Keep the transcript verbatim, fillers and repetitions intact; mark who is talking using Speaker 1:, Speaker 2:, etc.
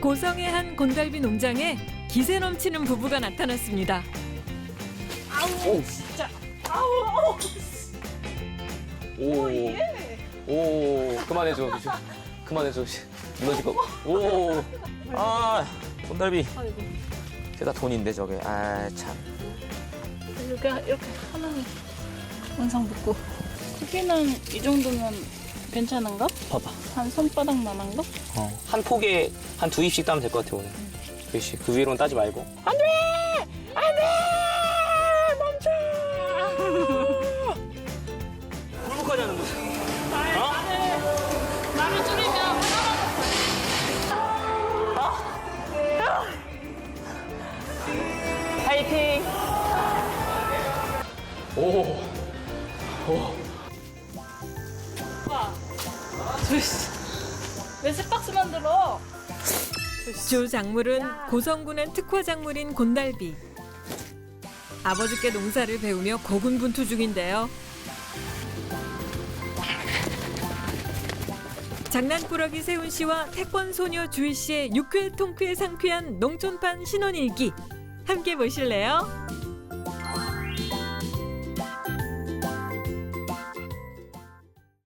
Speaker 1: 고성의 한 곤달비 농장에 기세 넘치는 부부가 나타났습니다.
Speaker 2: 오.
Speaker 3: 진짜. 아우, 아우.
Speaker 2: 오. 오. 그만해줘. 미주. 그만해줘. 무너질 거. 오. 아. 곤달비.
Speaker 3: 아이고.
Speaker 2: 그게 다 돈인데 저게. 아 참.
Speaker 3: 이렇게 이렇게 하나는 원상 붙고. 크기는 이 정도면 괜찮은가?
Speaker 2: 봐봐.
Speaker 3: 한 손바닥만한 거?
Speaker 2: 어. 한 폭에 한 두 입씩 따면 될 것 같아 오늘. 두 입씩. 그 위로는 따지 말고. 안돼. 안돼. 멈춰. 불복하자는 거지. 어?
Speaker 3: 말을 줄이면
Speaker 2: 파이팅. 오. 오.
Speaker 3: 오빠. 조이씨. 왜 스박스 만들어?
Speaker 1: 주 작물은 고성군의 특화 작물인 곤달비. 아버지께 농사를 배우며 고군분투 중인데요. 장난꾸러기 세훈 씨와 태권 소녀 주희 씨의 유쾌 통쾌 상쾌한 농촌판 신혼일기 함께 보실래요?